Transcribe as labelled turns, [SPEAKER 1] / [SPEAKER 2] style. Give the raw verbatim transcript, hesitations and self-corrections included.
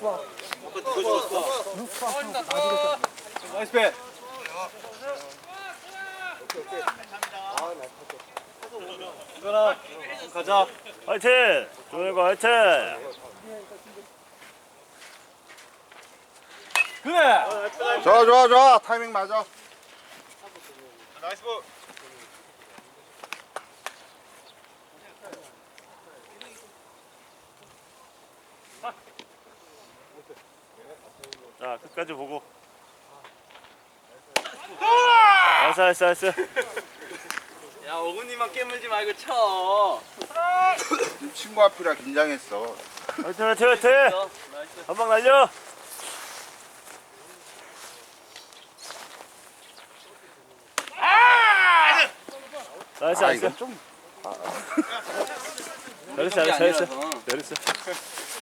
[SPEAKER 1] 나이스 배. 이거나 가자.
[SPEAKER 2] 화이팅! 조현과 화이팅!
[SPEAKER 1] 그래.
[SPEAKER 3] 좋아 좋아 좋아 타이밍 맞아.
[SPEAKER 1] 나이스 볼.
[SPEAKER 2] 자, 끝까지 보고. 나이스, 나이스, 나이스.
[SPEAKER 4] 야, 어금니만 깨물지 말고 쳐.
[SPEAKER 3] 친구 앞이라 긴장했어.
[SPEAKER 2] 화이팅, 화이팅, 화이팅!
[SPEAKER 4] 나이스.
[SPEAKER 2] 한 방 날려! 나이스,
[SPEAKER 3] 아
[SPEAKER 2] 나이스.
[SPEAKER 3] 이건 좀
[SPEAKER 2] 잘했어, 잘했어, 잘했어. 잘했어.